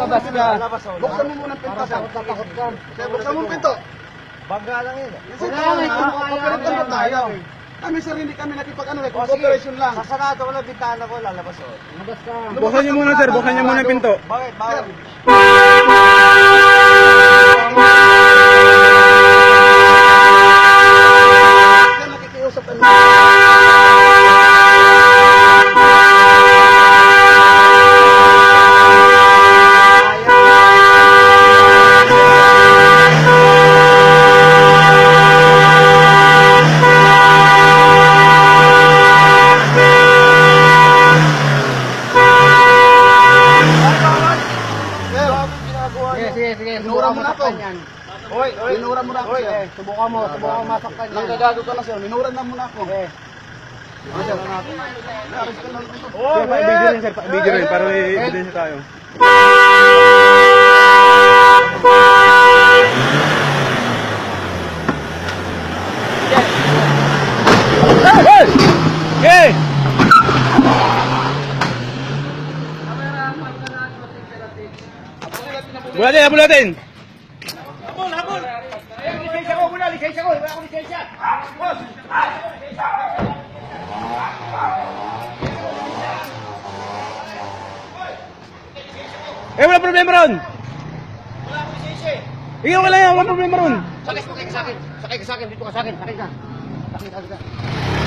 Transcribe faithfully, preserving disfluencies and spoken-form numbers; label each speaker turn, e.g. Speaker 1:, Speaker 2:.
Speaker 1: Lalabas ka.
Speaker 2: Buksan mo muna ang pinto, sir.
Speaker 1: Takot ka.
Speaker 2: Sir, buksan mo ang pinto.
Speaker 3: Bangga lang yun.
Speaker 2: Kasi kooperate na tayo. Kami sir, hindi kami nakipag-ano, cooperation lang.
Speaker 3: Sasarado ko lang bintana ko, lalabas o.
Speaker 1: Lumabas ka.
Speaker 4: Buksan niyo muna, sir. Buksan niyo muna yung pinto.
Speaker 3: Bakit? Bakit?
Speaker 2: Sir, nakikiusap kami.
Speaker 1: Sige, sige, sige.
Speaker 2: Inura
Speaker 1: Subukan
Speaker 2: mo
Speaker 1: mo
Speaker 2: na ako.
Speaker 1: saktan yan.
Speaker 3: Oy, oy.
Speaker 2: Minura mo na ako,
Speaker 3: Oy,
Speaker 2: sir.
Speaker 3: eh.
Speaker 1: Subukan mo, subukan mo masaktan yan.
Speaker 2: Nanggagago ka na, sir. Minura na muna ako.
Speaker 1: Eh.
Speaker 2: Naaris ka na.
Speaker 4: Sir, pa-video rin, sir. Pa-video rin para may evidence tayo. Okay! Bulatin, bulatin!
Speaker 3: Habol, habol! Ayan, lisensya ko muna, lisensya ko. Wala akong lisensya. Boss!
Speaker 4: Eh, wala problema ron!
Speaker 3: Wala akong lisensya eh.
Speaker 4: Ikaw ka lang yan, wala problema ron!
Speaker 1: Sakay, sakay ka sa akin. Sakay ka sa akin. Dito ka sa akin. Sakay ka. Sakay ka. Sakay ka.